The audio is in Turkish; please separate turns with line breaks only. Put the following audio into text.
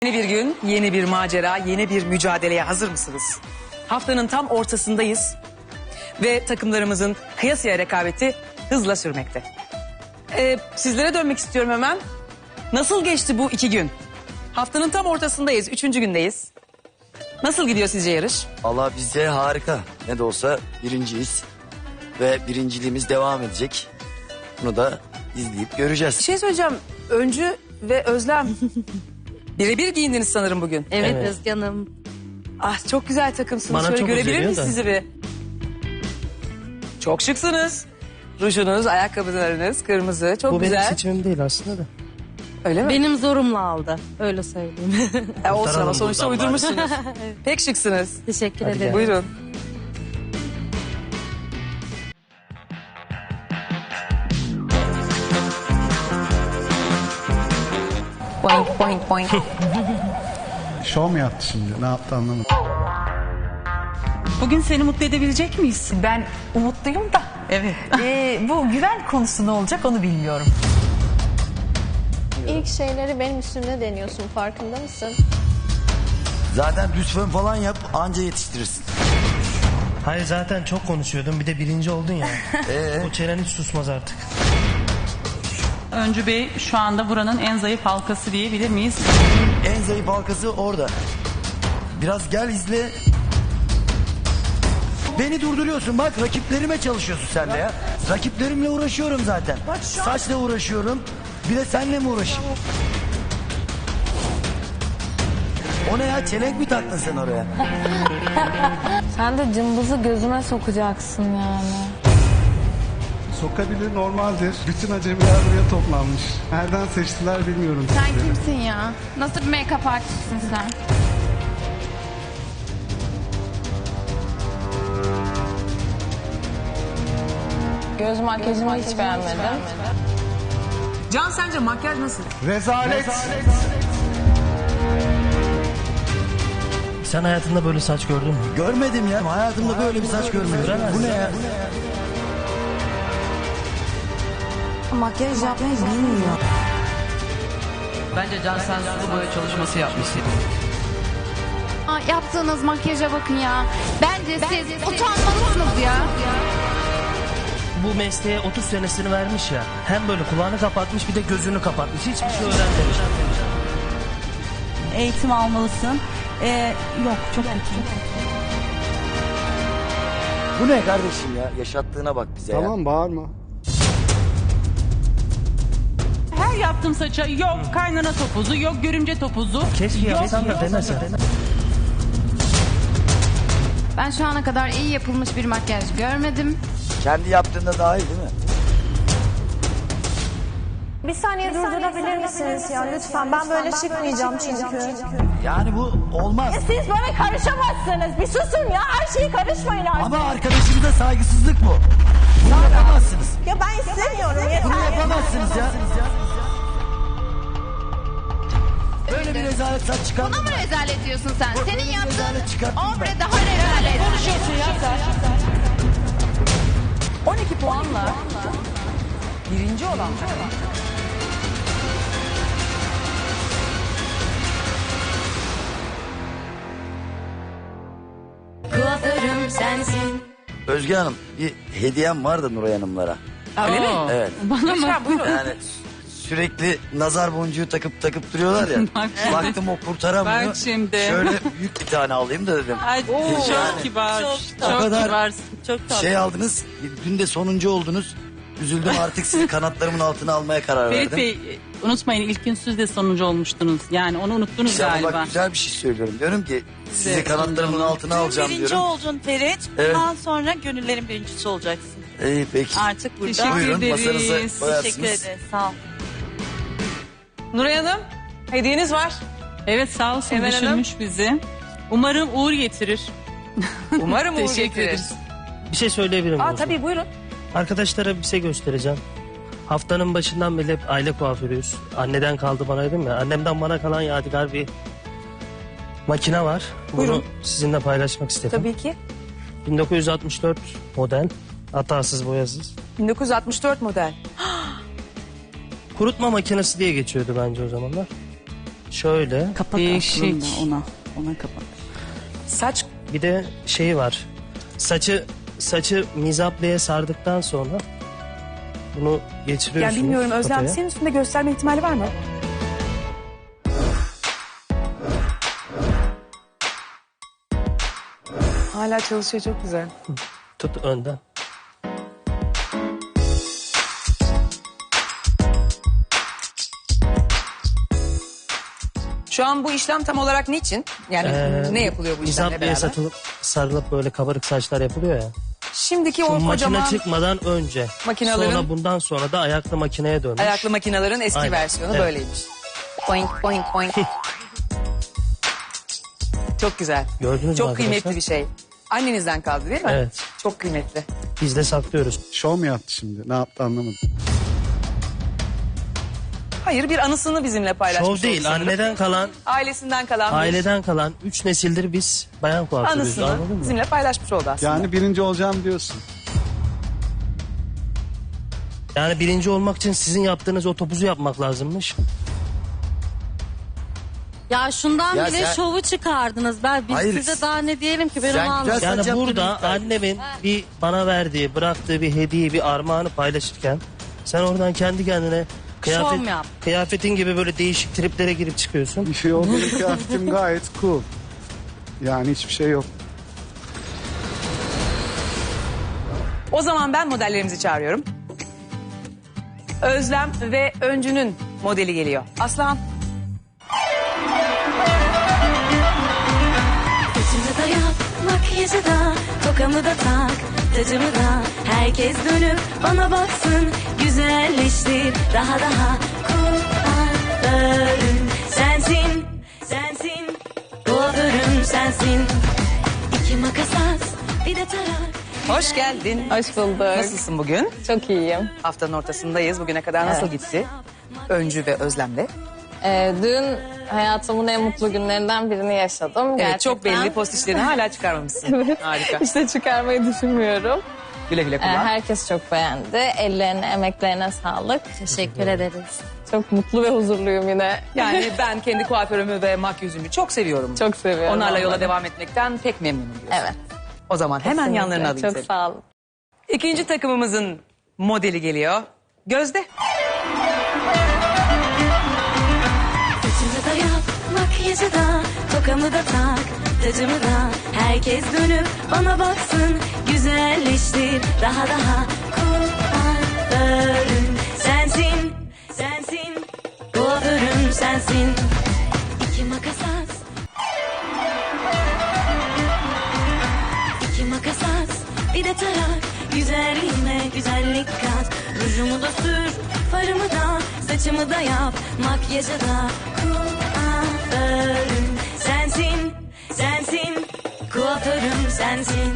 Yeni bir gün, yeni bir macera, yeni bir mücadeleye hazır mısınız? Haftanın tam ortasındayız ve takımlarımızın kıyasıya rekabeti hızla sürmekte. Sizlere dönmek istiyorum hemen. Nasıl geçti bu 2 gün? Haftanın tam ortasındayız, 3. gündeyiz. Nasıl gidiyor sizce yarış?
Allah bize harika. Ne de olsa birinciyiz. Ve birinciliğimiz devam edecek. Bunu da izleyip göreceğiz.
Bir şey söyleyeceğim. Öncü ve Özlem. Birebir giyindiniz sanırım bugün.
Evet,
Evet.
Özge Hanım.
Ah, çok güzel takımsınız.
Bana
Şöyle
çok
görebilir
özeniyor
miyiz
da.
sizi bir? Çok şıksınız. Rujunuz, ayakkabılarınız kırmızı. Çok
Bu
güzel.
benim seçimim değil aslında da.
Öyle mi?
Benim zorumla aldı. Öyle söyleyeyim.
Olsun ama
Kurtaralım
sonuçta
buradan
uydurmuşsunuz. Pek şıksınız.
Teşekkür
Hadi
ederim.
gel.
Buyurun.
Boing boing boing.
Şov mu yaptı şimdi? Ne yaptı anlamadım.
Bugün seni mutlu edebilecek miyiz?
Ben umutluyum da
Evet.
bu güven konusu ne olacak onu bilmiyorum.
İlk şeyleri benim üstümde deniyorsun, farkında mısın?
Zaten düz fön falan yap anca yetiştirirsin.
Hayır zaten çok konuşuyordun bir de birinci oldun ya. O çenen hiç susmaz artık.
Öncü Bey şu anda buranın en zayıf halkası diyebilir miyiz?
En zayıf halkası orada. Biraz gel izle. Beni durduruyorsun bak, rakiplerime çalışıyorsun sen de ya. Rakiplerimle uğraşıyorum zaten. Saçla uğraşıyorum. Bir de seninle mi uğraşayım? O ne ya, çelenk mi taktın sen oraya?
Sen de cımbızı gözüme sokacaksın yani.
Sokabilir, normaldir. Bütün acemiler buraya toplanmış. Nereden seçtiler bilmiyorum.
Sen
sizleri.
kimsin ya? Nasıl bir make-up artistsin sen? Göz makyajımı hiç beğenmedim.
Can, sence makyaj nasıl?
Rezalet.
Sen hayatında böyle saç gördün mü?
Görmedim ya. Hayatımda böyle bir saç görmedim. Bu ne ya?
Makyaj yapmayı bilmiyor.
Bence Can sen sulu boya çalışması yapmışsın.
Yaptığınız makyaja bakın ya. Bence siz utanmalısınız ya.
Bu mesleğe 30 senesini vermiş ya. Hem böyle kulağını kapatmış bir de gözünü kapatmış. Hiçbir şey öğrenmemiş.
Eğitim almalısın. Yok çok kötü.
Bu ne kardeşim ya? Yaşattığına bak bize ya.
Tamam, bağırma.
Her yaptığım saça yok kaynana topuzu, yok görümce topuzu.
Keşke yapsam da demesen.
Ben şu ana kadar iyi yapılmış bir makyaj görmedim.
Kendi yaptığında daha iyi değil mi?
Bir saniye durdurabilir misiniz ya lütfen? Ben böyle çıkmayacağım çünkü.
Yani bu olmaz.
Siz bana karışamazsınız. Bir susun ya. Her şeyi karışmayın artık.
Ama arkadaşımıza saygısızlık bu. Bunu yapamazsınız.
Ya ben istemiyorum.
Bunu
Yeter.
yapamazsınız ya. Böyle bir rezalet saç çıkar.
Buna mı rezalet diyorsun sen? Senin yaptığın
rezalet çıkarttım ben.
ombre daha rezalet.
12 puanla birinci olan takım.
Kuaförüm sensin.
Özge Hanım, bir hediyem var da Nuray Hanımlara.
Öyle mi?
Evet.
Lütfen buyurun.
Yani sürekli nazar boncuğu takıp duruyorlar ya. Baktım o kurtaramıyor.
Bak şimdi.
Şöyle büyük bir tane alayım da dedim.
Ay, çok
Yani
kibar.
o
Çok
kadar
kibarsın. Çok tatlı.
şey aldınız. Dün de sonuncu oldunuz. Üzüldüm, artık sizi kanatlarımın altına almaya karar
Ferit
verdim.
Bey unutmayın ilk gün siz de sonuncu olmuştunuz. Yani onu unuttunuz
İşte ama
galiba.
bak güzel bir şey söylüyorum. Diyorum ki sizi
Evet,
kanatlarımın
sonuncu
altına alacağım
Birinci
diyorum.
oldun Ferit.
Evet.
Bundan sonra gönüllerin birincisi olacaksın.
İyi peki.
Artık burada.
Teşekkür
Buyurun
ederiz.
masanıza koyarsınız.
Teşekkür ederiz. Sağ ol.
Nuray Hanım, hediyeniz var.
Evet sağ olsun
Emel Hanım.
düşünmüş bizi. Umarım uğur getirir.
Umarım uğur
Teşekkür
getirir.
ederiz.
Bir şey söyleyebilirim.
Aa,
Bozdu.
tabii buyurun.
Arkadaşlara bir şey göstereceğim. Haftanın başından beri hep aile kuaförüyüz. Anneden kaldı bana dedim ya. Annemden bana kalan yadigar bir makine var. Bunu
Buyurun.
sizinle paylaşmak istedim.
Tabii ki.
1964 model. Hatasız boyasız.
1964 model.
Kurutma makinesi diye geçiyordu bence o zamanlar. şöyle.
Kapak
Değişik.
aslında ona kapak.
Saç
Bir de şey var. Saçı mizapleye sardıktan sonra bunu geçiriyorsunuz.
yani bilmiyorum Özlem
kafaya.
senin üstünde gösterme ihtimali var mı? Hala çalışıyor çok güzel.
Tut önden.
Şu an bu işlem tam olarak niçin? Yani ne yapılıyor bu işlemle
Mizapleye
beraber?
sarılıp böyle kabarık saçlar yapılıyor ya.
Şimdiki
Bu
o
makine
kocaman
çıkmadan önce.
Makinelerin-
Sonra bundan sonra da ayaklı makineye dönmüş.
ayaklı makinelerin eski
Aynen.
versiyonu
Evet.
böyleymiş. Boink boink boink. Çok güzel.
Gördünüz mü
Çok
arkadaşlar?
kıymetli bir şey. Annenizden kaldı değil mi?
Evet.
Çok kıymetli.
Biz de saklıyoruz.
Şov mu yaptı şimdi? Ne yaptı anlamadım.
Hayır bir anısını bizimle paylaşmış
Şov değil,
oldu sanırım.
anneden kalan,
Ailesinden kalan bir
aileden kalan 3 nesildir biz bayan kuaförüyüz.
anısını
Anladın mı?
bizimle paylaşmış oldu aslında.
Yani birinci olacağım diyorsun.
Yani birinci olmak için sizin yaptığınız o topuzu yapmak lazımmış.
Ya şundan
Ya
bile
sen-
şovu çıkardınız. Biz
Hayır,
size daha ne diyelim ki ben
sen
onu
güzel-
anladım.
Yani
Saç yaptığını
burada
iddia ediyor.
annemin bir bana verdiği, bıraktığı bir hediye, bir armağanı paylaşırken sen oradan kendi kendine
Şov yap.
kıyafetin gibi böyle değişik triplere girip çıkıyorsun.
Bir şey oldu. Benim kıyafetim gayet cool. Yani hiçbir şey yok.
O zaman ben modellerimizi çağırıyorum. Özlem ve Öncü'nün modeli geliyor. Aslan.
Saçımı da yap, makyajı da, tokamı da tak, tacımı da. Herkes dönüp bana baksın, güzelleştir daha daha. Kuaförüm sensin, sensin. Kuaförüm sensin. İki makas at, bir de tarak.
Hoş geldin.
Hoş bulduk.
Nasılsın bugün?
Çok iyiyim.
Haftanın ortasındayız. Bugüne kadar nasıl gitti? Öncü ve Özlem'le.
Dün hayatımın en mutlu günlerinden birini yaşadım.
Evet
Gerçekten.
çok belli post işlerini hala çıkarmamışsın.
Evet.
Harika.
İşte çıkarmayı düşünmüyorum.
Güle güle kullan.
Herkes çok beğendi. Ellerine, emeklerine sağlık.
Teşekkür ederiz.
Çok mutlu ve huzurluyum yine.
Yani ben kendi kuaförümü ve makyözümü çok seviyorum.
Çok seviyorum.
Onlarla yola
onları.
devam etmekten pek memnunum diyorsun.
Evet.
O zaman hemen
Kesinlikle.
yanlarına alayım
Çok
seni.
sağ olun.
İkinci takımımızın modeli geliyor. Gözde.
Saçımı da yap, makyajı da, tokamı da tak, tacımı da. Herkes dönüp bana baksın, güzelleştir daha daha. Kuaförüm sensin, sensin. Kuaförüm sensin. İki makas at. İki makas at, bir de tarak. Güzelliğime güzellik kat. Rujumu da sür, farımı da, saçımı da yap, makyajı da. Kuaförüm sensin, sensin. Kuaförüm sensin.